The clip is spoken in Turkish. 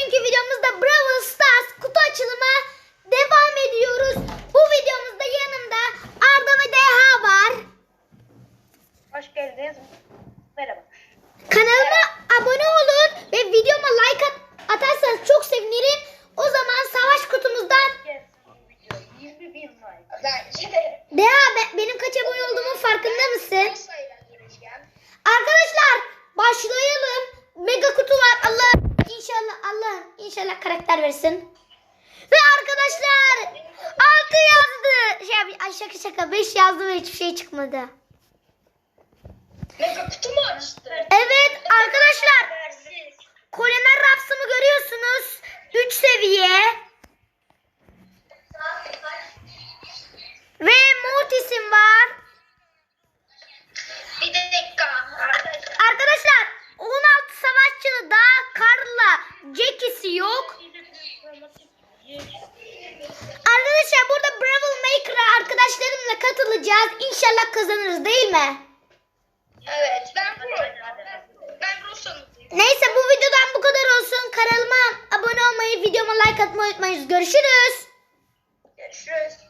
Bugünkü videomuzda Brawl Stars kutu açılımı devam ediyoruz. Bu videomuzda yanımda Arda ve Deha var. Hoş geldiniz. Merhaba. Kanalıma abone olun ve videoma like atarsanız çok sevinirim. O zaman savaş kutumuzdan Video 20.000 like. Deha, benim kaç abone olduğumun farkında mısın? Arkadaşlar başlayalım. Mega kutu var. Allah inşallah karakter versin. Ve arkadaşlar 6 yazdı. Şaka 5 yazdı ve hiçbir şey çıkmadı. Mega kutu mu açtı? Evet arkadaşlar, Kolimer Raps'ımı görüyorsunuz. 3 seviye. Ve Mortis'im var. Bir dakika. Arkadaşlar 16 savaşçılı daha Karl'la Jackie'si yok. Arkadaşlar burada Brawl Maker'a arkadaşlarımla katılacağız. İnşallah kazanırız, değil mi? Evet, ben Rosan'ım. Neyse, bu videodan bu kadar olsun. Kanalıma abone olmayı, videoma like atmayı unutmayın. Görüşürüz. Görüşürüz.